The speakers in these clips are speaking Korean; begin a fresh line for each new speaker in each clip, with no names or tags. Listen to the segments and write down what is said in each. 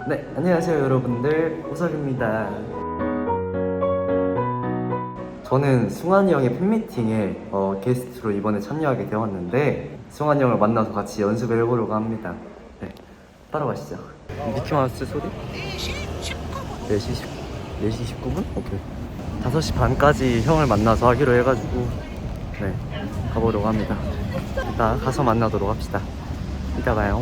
네, 안녕하세요 여러분들, 우석입니다. 저는 승환이 형의 팬미팅에 게스트로 이번에 참여하게 되었는데 승환이 형을 만나서 같이 연습을 해보려고 합니다. 네, 따라가시죠. 미키마우스 소리? 4시 19분? 오케이. 5시 반까지 형을 만나서 하기로 해가지고 네, 가보려고 합니다. 이따 가서 만나도록 합시다. 이따 봐요.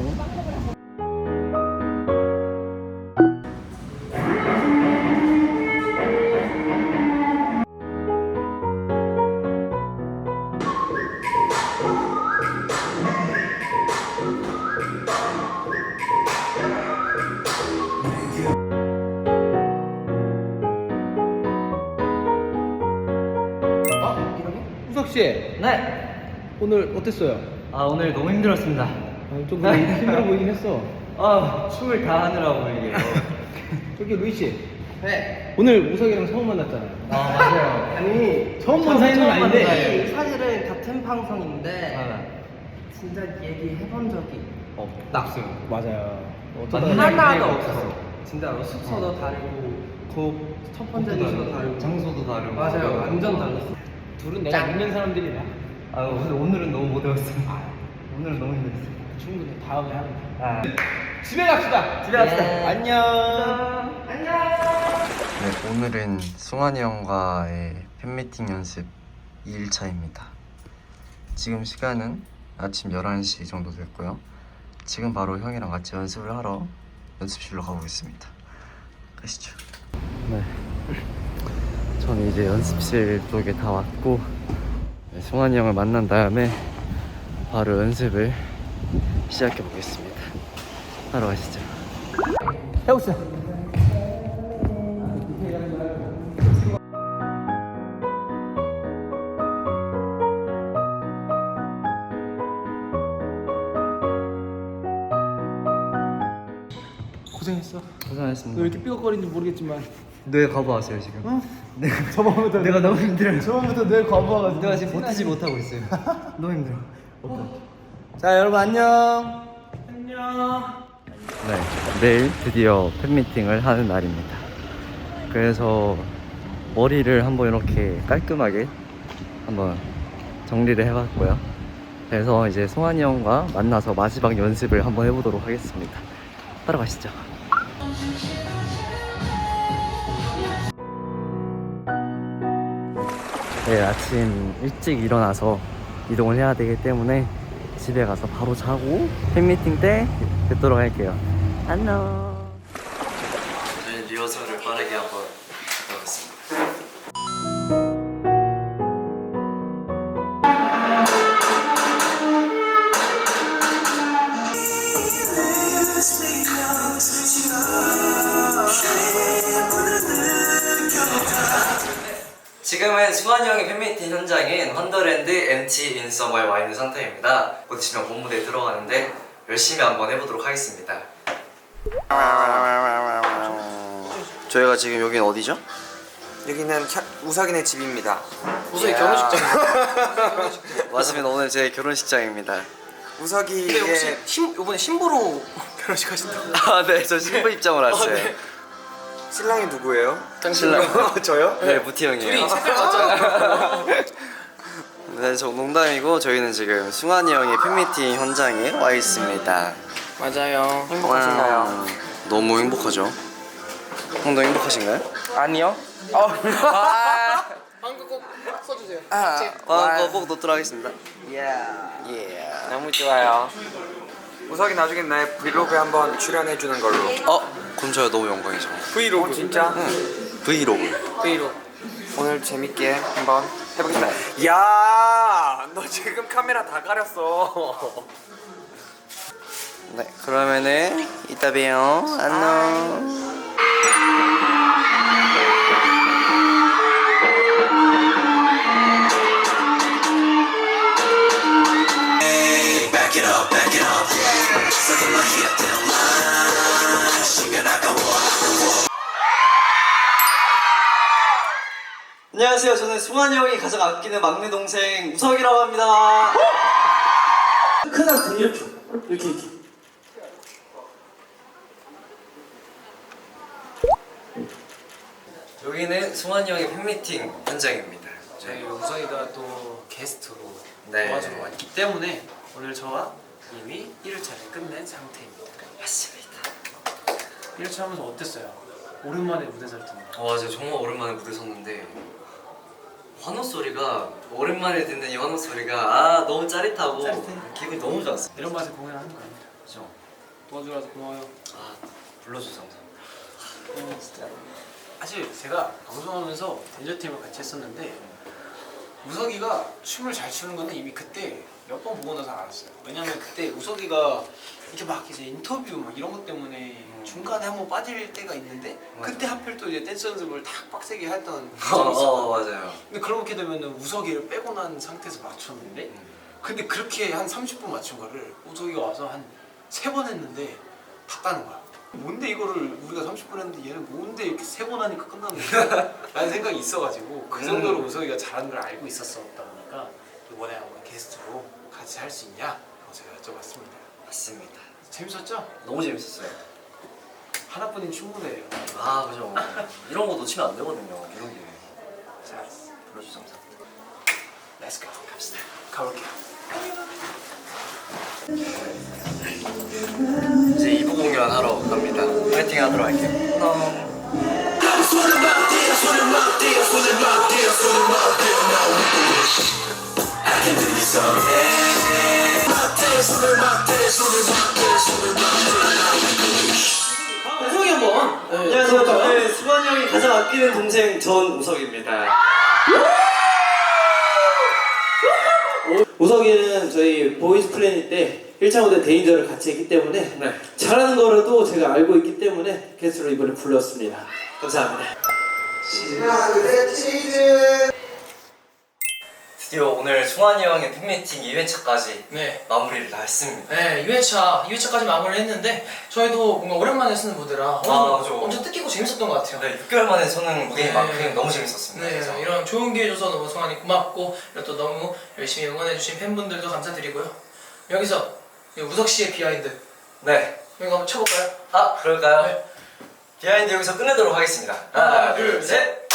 우석씨,
네!
오늘 어땠어요?
오늘 너무 힘들었습니다.
좀 힘들어 보이긴 했어.
춤을 다 하느라고 이게.
저기 루이씨,
네.
오늘 우석이랑 처음 만났잖아요.
맞아요.
아니, 처음 본 사이는 아닌데.
사실은 같은 방송인데 진짜 얘기해본 적이
낙수.
맞아요.
하나도 없었어. 진짜로 숙소도 다르고 첫 번째 뉴스도 다르고
장소도 다르고.
맞아요. 완전 달랐어.
둘은 내가 믿는 사람들이라.
근데 오늘은 너무 못 외웠어요. 오늘은 너무 힘들었어요.
충분히 다음에 하면 돼.
아.
집에 갑시다.
집에 갑시다.
안녕.
네, 오늘은 승환이 형과의 팬미팅 연습 2일차입니다. 지금 시간은 아침 11시 정도 됐고요. 지금 바로 형이랑 같이 연습을 하러 연습실로 가보겠습니다. 가시죠. 네, 저는 이제 연습실 쪽에 다 왔고 네, 승환이 형을 만난 다음에 바로 연습을 시작해 보겠습니다. 하러 가시죠.
해봅시다. 고생했어. 너
고생하셨습니다.
왜 이렇게 삐걱거리는지 모르겠지만.
뇌 거부하세요 지금.
어? 저번부터
내가 너무 힘들어요.
저번부터 늘 거부해가지고.
내가 지금 버티지 못하고 있어요. 너무 힘들어.
자, 여러분 안녕.
네, 내일 드디어 팬미팅을 하는 날입니다. 그래서 머리를 한번 이렇게 깔끔하게 한번 정리를 해봤고요. 그래서 이제 승환이 형과 만나서 마지막 연습을 한번 해보도록 하겠습니다. 따라가시죠. 내일 아침 일찍 일어나서 이동을 해야 되기 때문에 집에 가서 바로 자고 팬미팅 때 뵙도록 할게요. 안녕. 저희 리허설을 빠르게 한번 해보겠습니다. 지금은 승환이 형의 팬미팅 현장인 헌더랜드 MT 인서머에 와 있는 상태입니다. 곧 있으면 본무대에 들어가는데 열심히 한번 해보도록 하겠습니다. 저희가 지금 여긴 어디죠?
여기는 우석이네 집입니다.
우석이 결혼식장.
맞습니다. 오늘 제 결혼식장입니다.
우석이의
근데 혹시 이번에 신부로 결혼식 하신다고?
네, 저 신부 입장을 왔어요.
네.
신랑이 누구예요?
신랑.
저요?
네, 무티 형이에요.
둘이 색깔 맞잖아.
네, 저 농담이고 저희는 지금 승환이 형의 팬미팅 현장에 와 있습니다.
맞아요.
행복하신가요?
너무 행복하죠? 형도 행복하신가요?
아니요. 방금 꼭 써주세요.
그거 꼭 넣도록 하겠습니다.
너무 좋아요.
우석이 나중에 나의 브이로그에 한번 출연해주는 걸로.
그럼 저야 너무 영광이죠.
브이로그? 진짜?
브이로그.
브이로그.
오늘 재밌게 한번 해보겠습니다. 야, 너 지금 카메라 다 가렸어.
네, 그러면은 이따 봬요. 안녕. 안녕하세요. 저는 승환이 형이 가장 아끼는 막내 동생 우석이라고 합니다. 큰한테 이렇게. 여기는 승환이 형의 팬미팅 현장입니다.
저희 우석이가 또 게스트로
네.
도와주러 왔기 때문에 오늘 저와 이미 1회차를 끝낸 상태입니다.
맞습니다.
1회차 하면서 어땠어요? 오랜만에 무대 설 텐데.
맞아요. 정말 오랜만에 무대 섰는데 환호 소리가 오랜만에 듣는 이 환호 소리가 너무 짜릿하고
짜릿해.
기분이 너무 좋았어.
이런 맛에 공연하는 거 아닙니다.
그죠?
도와주러 와서 고마워요.
불러줘서 감사합니다.
진짜. 사실 제가 방송하면서 댄저팀을 같이 했었는데 우석이가 춤을 잘 추는 거는 이미 그때 몇 번 보고 나서 알았어요. 왜냐면 그때 우석이가 이렇게 막 이제 인터뷰 막 이런 것 때문에 중간에 한번 빠질 때가 있는데 그때 하필 또 이제 댄스 연습을 탁 빡세게 했던 적이 있어.
맞아요.
근데 그렇게 되면은 우석이를 빼고 난 상태에서 맞췄는데 근데 그렇게 한 30분 맞춘 거를 우석이가 와서 한 3번 했는데 다 따는 거야. 뭔데 이거를 우리가 30분 했는데 얘는 뭔데 이렇게 3번 하니까 끝나는 거야? 라는 생각이 있어가지고 그 정도로 우석이가 잘하는 걸 알고 있었다 보니까 이번에 한번 게스트로 같이 할 수 있냐? 라고 제가 여쭤봤습니다.
맞습니다.
재밌었죠?
너무 재밌었어요.
하나뿐인 충분해요.
그죠. 이런 거 놓치면 안 되거든요. 이런 게.
자,
불러주셔서 감사합니다.
렛츠 고 갑시다. 가볼게요.
이제 2부 공연 하러 갑니다. 파이팅 하도록 할게요.
우석이 한번.
안녕하세요. 저는 수관이 형이 가장 아끼는 동생 전우석입니다.
우석이는 저희 보이스 플래닛 때 1차 무대 데인저를 같이 했기 때문에
네.
잘하는 거라도 제가 알고 있기 때문에 게스트로 이번에 불렀습니다. 감사합니다.
드디어 오늘 승환이 형의 팬미팅 2회차까지
네.
마무리를 다 했습니다.
네, 2회차까지 마무리를 했는데 저희도 뭔가 오랜만에 쓰는 무대라
그죠.
엄청 뜻깊고 재밌었던 것 같아요.
네, 6개월 만에 서는 무대인
네.
만큼 너무 재밌었습니다.
네,
그래서.
이런 좋은 기회 줘서 너무 성환이 고맙고 그리고 또 너무 열심히 응원해주신 팬분들도 감사드리고요. 여기서 이 우석 씨의 비하인드
네.
이거 한번 쳐볼까요?
그럴까요?
네.
비하인드 여기서 끝내도록 하겠습니다.
하나, 둘, 셋.